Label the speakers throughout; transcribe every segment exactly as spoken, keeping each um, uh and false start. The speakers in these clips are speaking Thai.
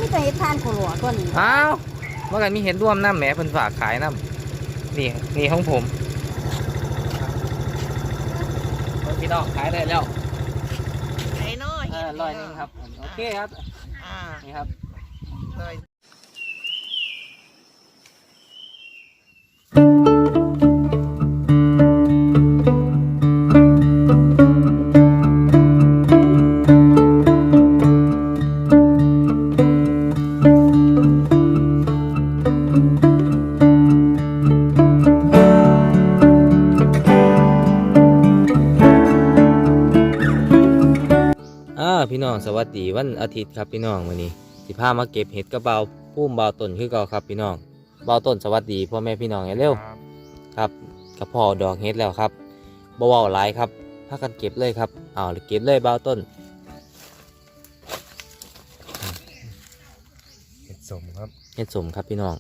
Speaker 1: จะเห็ดทานโคโลตัวนี้
Speaker 2: อ้าวเมื่อกี้มีเห็นร่วมน้ำแหมเพิ่นฝากขายน้ำนี่นี่ของผมพี่น้องขายได้แล้ว
Speaker 1: ไอ้น้อย
Speaker 2: อ่าร้อยหนึงครับโอเคครับ
Speaker 1: อ่า
Speaker 2: นี่ครับ
Speaker 1: เลย
Speaker 2: อ่าพี่น้องสวัสดีวันอาทิตย์ครับพี่น้องวันนี้สิพามาเก็บเห็ดกระเบาพุ่มเบาต้นคือเก่าครับพี่น้องเบาต้นสวัสดีพ่อแม่พี่น้องเร็วครับกระพอดอกเห็ดแล้วครับบ่เว้าหลายครับพากันเก็บเลยครับเอาเก็บเลยเบาต้น
Speaker 3: เห็ดสมครับ
Speaker 2: เห็ดสมครับพี่น้อง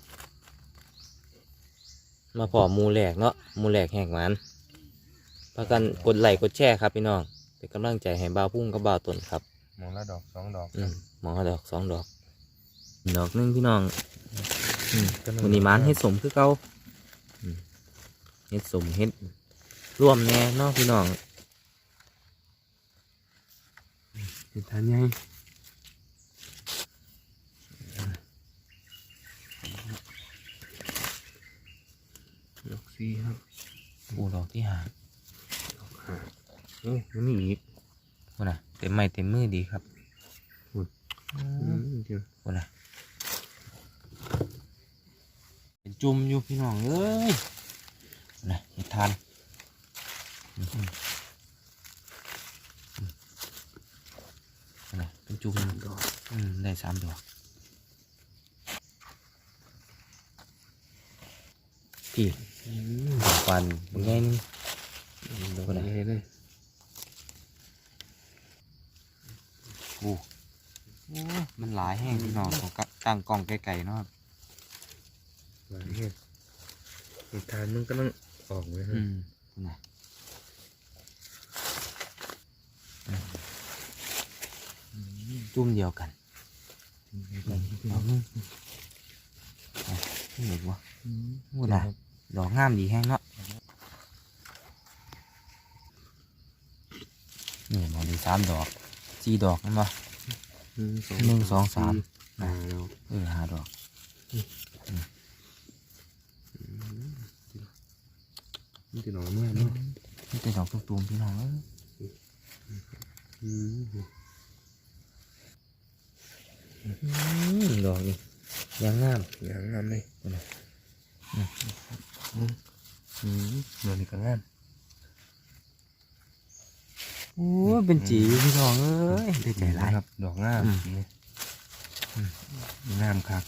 Speaker 2: มาพอหมูแหลกเนาะหมูแหลกแหกหมันพากันกดไลค์กดแชร์ครับพี่น้องเป็นกำลังใจให้เบาพุ่งกับเบาต้นครับ
Speaker 3: มองละดอกสองดอก
Speaker 2: อืมหมอดอกสองดอกดอกหนึงพี่น้องอืม
Speaker 3: ก็นั่ง
Speaker 2: วันนี้มันเฮ็ดสมคือเก่าอืมเฮ็ดสมเฮ็ดร่วมแน่เนาะพี่น้อง
Speaker 3: เห็ดทานยังดอกสี่ครับ
Speaker 2: ปูดอกที่หา
Speaker 3: โอ้ยังมีอีก
Speaker 2: คนน่ะเต็มไม้เต็มมือดีครับ
Speaker 3: อืมเดี๋ยว
Speaker 2: คนน่ะเป็นจุ่มอยู่พี่น้องเอ้ยคนน่ะเฮ็ดทานอืมอืมคนน่ะเป็นจุ่ม
Speaker 3: ดอก
Speaker 2: อืมได้สามดอกพี่
Speaker 3: อืม
Speaker 2: ดอกฟันเป็นไงนึง
Speaker 3: ดอกใหญ่เลย
Speaker 2: โอ้โอ้มันหลายแห้งพี่น้องของกะตั้งกล้องไกลๆเนาะครับ
Speaker 3: หลายเห็ดเห็ดทานมันก็ต้องออกเลยครั
Speaker 2: อื
Speaker 3: บ
Speaker 2: มนะจุ่มเดียวกันเอาเห็นวะพูดนะดอกงามดีแห้งเนาะนี่มาดีสามดอกสี่ดอกนั่นปะ
Speaker 3: หนึ่งสอง
Speaker 2: หนึ่งสองสาม
Speaker 3: ห้าดอก
Speaker 2: เออห้าดอก
Speaker 3: นี่จะหน่อเมื่อเนาะ
Speaker 2: นี่เป็นดอกตุ้มๆพี่น้องเอ้ย
Speaker 3: อืม
Speaker 2: อืมดอกนี่ยังงาม
Speaker 3: อย่างงามเลย
Speaker 2: อืม
Speaker 3: อืมเดี๋ยวนี้ก็งาม
Speaker 2: โอ้เป็นจีพี่น้องเอ้ยได้ใจร้าย
Speaker 3: ครับ ดอกงาม
Speaker 2: อืม
Speaker 3: นี่งามคัก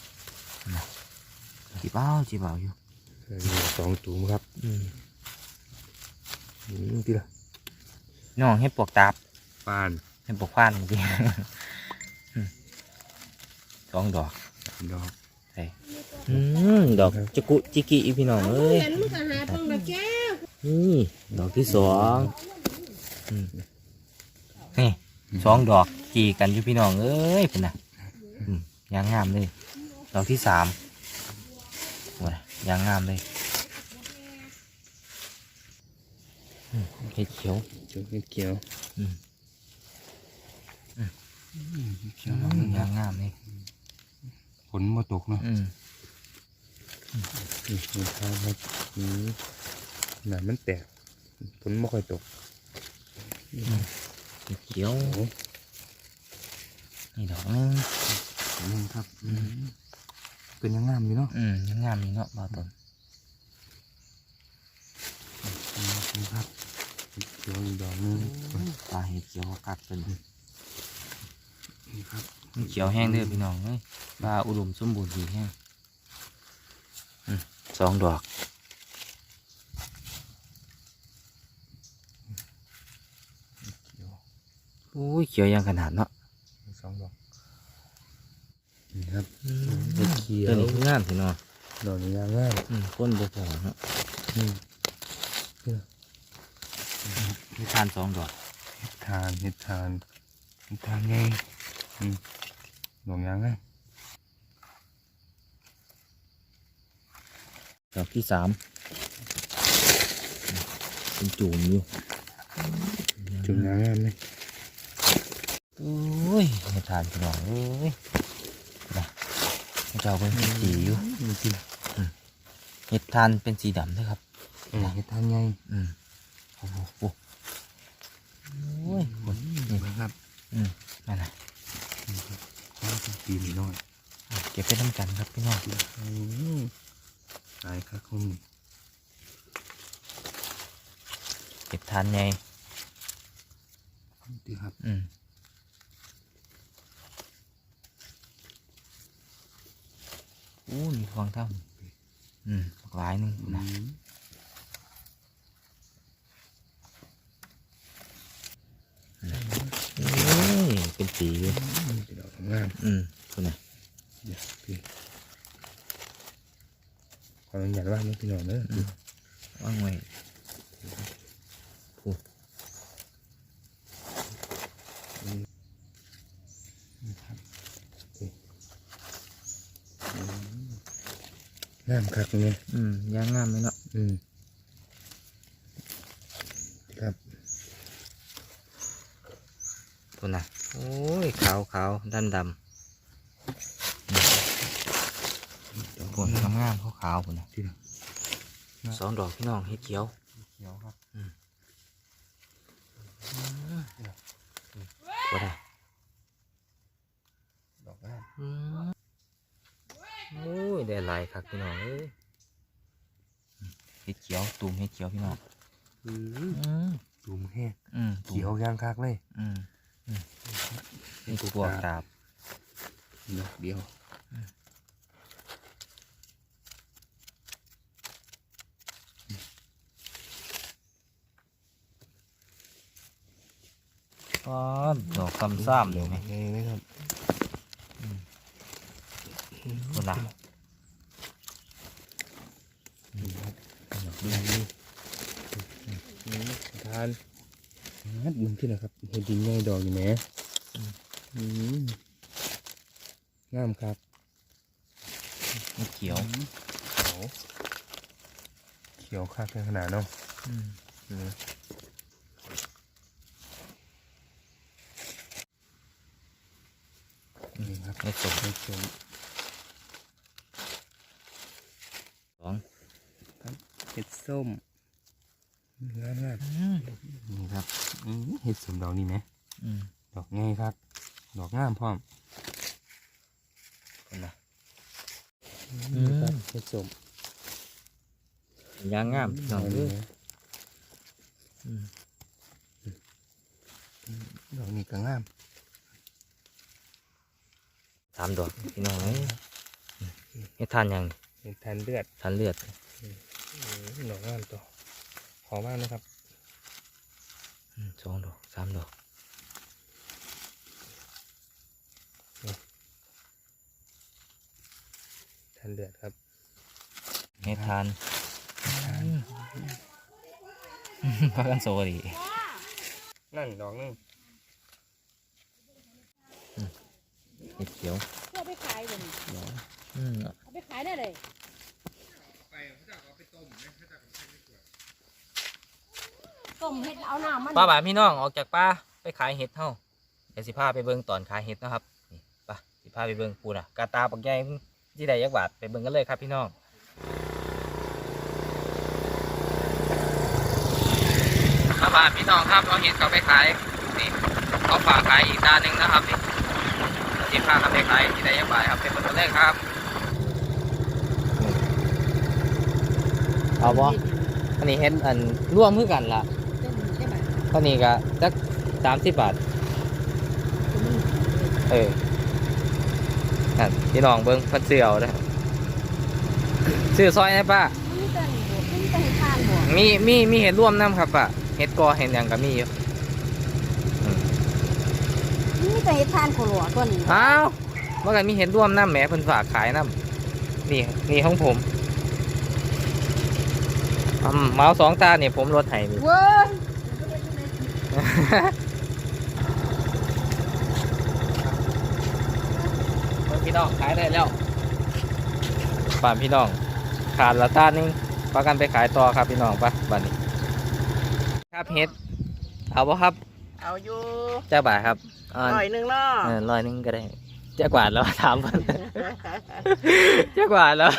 Speaker 2: จีบเอาจีบเอาอยู่
Speaker 3: เออนี่สองตูมครับ
Speaker 2: อืม
Speaker 3: อืมที่ละ
Speaker 2: น้องให้ปลวกตาบ
Speaker 3: ปาน
Speaker 2: ให้ปลวกพานจริงสองดอก
Speaker 3: ดอก
Speaker 2: ใช่อืมดอกจิกุจิกิอีพี่น้องเอ้ย
Speaker 1: เห็นมึงก็หาเบิ่งดอกแก้ว
Speaker 2: นี่ดอกที่สองอืมนี่สองดอกจีกันอยู่พี่น้องเอ้ยเป็นน่ะอืมยางงามเลยดอกที่สามโอ้ยยางงามเลยอืมเห็ดเขียว
Speaker 3: เขียวเขียว
Speaker 2: อืม
Speaker 3: เขียว
Speaker 2: อืมยางงามเลย
Speaker 3: ฝนมาตกเนาะ
Speaker 2: อืม
Speaker 3: นี่รองเท้าครับอืมหนามันแตกฝนไม่ค่อยตก
Speaker 2: เห็ดเขียว
Speaker 3: โอ้
Speaker 2: นี่ดอกนึง
Speaker 3: นี่ครับอืมเป็นยังงามอยู่เนาะ
Speaker 2: อืมยังงามนี่เนาะบาวต้น
Speaker 3: นี่ครับเขียวอีกดอกหนึง
Speaker 2: ตาเห็ดเขียวกัดเป็น
Speaker 3: นี่ครับ
Speaker 2: เขียวแห้งเด้อพี่น้องเอ้ยปลาอุดมสมบูรณ์ดีแห้งอืมสองดอกโอ้ยเขียวยังขนาดเนาะ
Speaker 3: สองดอกนี่ครับ
Speaker 2: เห็ดเขียวนี่คืองามพี่น้อง
Speaker 3: ดอกนี้งามง่าย
Speaker 2: อืมก้นบ่พอเนาะ
Speaker 3: อืม
Speaker 2: มีทานสองดอก
Speaker 3: เห็ดทานเห็ดทานเห็ดทานไงอืมดอกยางไง
Speaker 2: อดอกที่สามเป็นจูมอยู่
Speaker 3: จุ่มน้ำงามเลย
Speaker 2: โอ้ยไม่ทานพี่น้องเอ้ยนะเจ้าเป็นสีอยู่
Speaker 3: จริง
Speaker 2: เห็ดทานเป็นสีดำนะครับ
Speaker 3: อืมเห็ดทานใหญ่
Speaker 2: อืมโอ้โหโอ้โอ้ยคน
Speaker 3: นี่ครับ
Speaker 2: อืมนั่นนะ
Speaker 3: ข้าวเป็นปีนน้อย
Speaker 2: เก็บไปน้ำกันครับพี่น้อง
Speaker 3: อืมตายครับคุณ
Speaker 2: เห็ดทานไง
Speaker 3: ดีครับ
Speaker 2: อืมโอ้ยฟองเท่าอืมหลายหนึง
Speaker 3: อื
Speaker 2: นะ
Speaker 3: ม
Speaker 2: โอ้ยเป็นสีอยู่
Speaker 3: เป็นดอกงาม
Speaker 2: อืมคุณนะ
Speaker 3: เดี๋ยวพี่ขออนุญาตว่านี่พี่น้องเนอะ
Speaker 2: ว่างไว้
Speaker 3: งามคักเนี่ย
Speaker 2: อืมย่างงามไหมเนาะ
Speaker 3: อืมครับ
Speaker 2: คุณนะโอ้ยขาวขาวดำดำ
Speaker 3: ดอก
Speaker 2: ผลงามงามขาวขาวคุณนะ
Speaker 3: ที่น้อง
Speaker 2: สองดอกพี่น้องเห็ดเขียว
Speaker 3: เขียวครับ
Speaker 2: ก็ได้
Speaker 3: ดอกงาม
Speaker 2: อืมโอ้ยได้หลายครับพี่น้องเอ้ยเห็ดเขียวตูมเห็ดเขียวพี่น้อง
Speaker 3: อืม
Speaker 2: อืม
Speaker 3: ดูมแห้ง
Speaker 2: อืม
Speaker 3: เขียวย่างคักเลย
Speaker 2: อืมอืมนี่ตัวกราบ
Speaker 3: ดอกเดียว
Speaker 2: อ๋อดอกซ้ำซ้ำเลยไหม
Speaker 3: ไงไหมครับ
Speaker 2: คุณนะ
Speaker 3: นี่ครับดอกเดียวนี่อืมทานนัดมึงที่ไหนครับเห็ดดินใหญ่ดอกอยู่ไหมอืมงามครับ
Speaker 2: เห็ดเขียว
Speaker 3: เขียวเขียวคักขนาดเนาะ
Speaker 2: อืม
Speaker 3: อืมนี่ครับ
Speaker 2: เห็ดสม
Speaker 3: ให้ชม
Speaker 2: สอง
Speaker 3: เห็ดส้มงามมาก
Speaker 2: อืม
Speaker 3: นี่ครับอืมเห็ดสมดอกนี่ไหม
Speaker 2: อืม
Speaker 3: ดอกง่ายครับ ดอกงามพร้อม
Speaker 2: คุณนะ
Speaker 3: นี่ครับเห็ดสม
Speaker 2: ย่างงามพี่น้องเอ้ยอืม
Speaker 3: ดอกนี้ก็งาม
Speaker 2: สามดอกพี่น้องเอ้ยเห็ดทานยัง
Speaker 3: เห็ดทานเลือด
Speaker 2: ทานเลือด
Speaker 3: อืมดอกงามตัวขอมากนะครับ
Speaker 2: อืมสองดอกสามดอก
Speaker 3: ทานเลือดครับ
Speaker 2: เห็ดทานพักกันโซดี
Speaker 3: นั่นดอกนึง
Speaker 2: เห็ดเขียว
Speaker 1: เอาไปขายเลย
Speaker 2: อืม
Speaker 1: เอาไปขายได้เลยต้มเห็ดเอาน้ำมัน
Speaker 2: ป้าบ่าพี่น้องออกจากป่าไปขายเห็ดเฮาเดี๋ยวสิพาไปเบิ่งตอนขายเห็ดนะครับนี่ไป่ะสิพาไปเบิ่งปูน่ะกาตาปักใหญ่ที่ใดยักบาทไปเบิ่งกันเลยครับพี่น้องป้าบ่าพี่น้องครับเอาเห็ดเขาไปขายนี่เขาฝากขายอีกด้านหนึ่งนะครับนี่สิพาเขาไปขายที่ใดยักบาทครับไปเบิ่งกันเลยครับเอาบ่อันนี้เห็ดอันร่วมมือกันล่ะ
Speaker 1: ใช่ไหม
Speaker 2: ตอนนี้ก็จักสามสิบบาท เออนั่นพี่น้องเบิ้งเพันเสือเอาเลยซื้อซอยนะป้า
Speaker 1: นี่เป็นบวกนี่เป็นทานบวก
Speaker 2: มีมีมีเห็ดร่วมน้ำครับป้าเห็ดกอเห็ดหยังก็มีอยู่
Speaker 1: นี่เป็นทานโคโลตัวนี้
Speaker 2: อ้าวเมื่อกี้มีเห็ดร่วมน้ำแหมเพิ่นฝากขายน้ำนี่นี่ของผมอืมเมาสองตาเนี่ยผมลดให้นี่
Speaker 1: เว้ย
Speaker 2: พี่น้องขายได้แล้วป่านพี่น้องขาดละต้านนึงพากันไปขายต่อครับพี่น้องปะบัดนี้ครับเฮ็ดเอาบ่ครับ
Speaker 4: เอาอยู่
Speaker 2: เจ้าบ่ายครับอ่า
Speaker 4: ร้อยหนึ่งเนาะ
Speaker 2: เออร้อยหนึงก็ได้เจ้ากวาดแล้วถามเพิ่น เจ้ากวาดแล้ว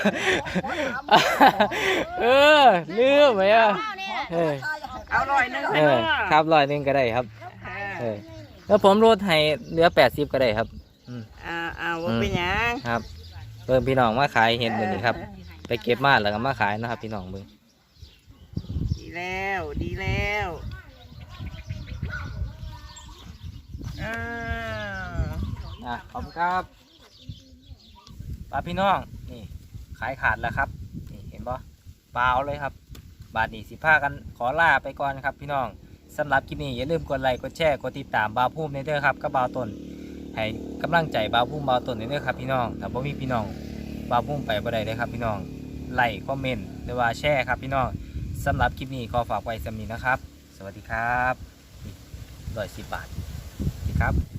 Speaker 2: เออลืมไหมอ่ะเออ
Speaker 4: เอาร้อยหนึ่ง
Speaker 2: เอ
Speaker 4: เนา
Speaker 2: อะ ครับร้อยหนึงก็ได้ครับเออแล้วผมลดให้เหลือแปดสิบก็ได้ครับ
Speaker 4: อ่าเอาว่าเป็นหยัง
Speaker 2: ครับเบิ่งพี่น้องมาขายเห็ดมื้อนี้ครับ ไปเก็บมาแล้วก็มาขายเนาะครับพี่น้องเบิ่ง
Speaker 4: ดีแล้วดีแล้วเออ
Speaker 2: อ่ะขอบคุณครับป้าพี่น้องนี่ขายขาดแล้วครับนี่เห็นบ่เปล่าเลยครับ บาทนี้สิพากันขอลาไปก่อนครับพี่น้องสำหรับคลิปนี้อย่าลืมกดไลค์กดแชร์กดติดตามบ่าวพุ่มในเด้อครับกับบ่าวต้นให้กำลังใจบ่าวพุ่มบ่าวต้นในเด้อครับพี่น้องถ้าบ่มีพี่น้องบ่าวพุ่มไปบ่ได้เลยครับพี่น้องไลค์คอมเมนต์หรือว่าแชร์ครับพี่น้องสำหรับคลิปนี้ขอฝากไว้สำนี้นะครับ สวัสดีครับร้อยสิบบาทสวัสดีครับ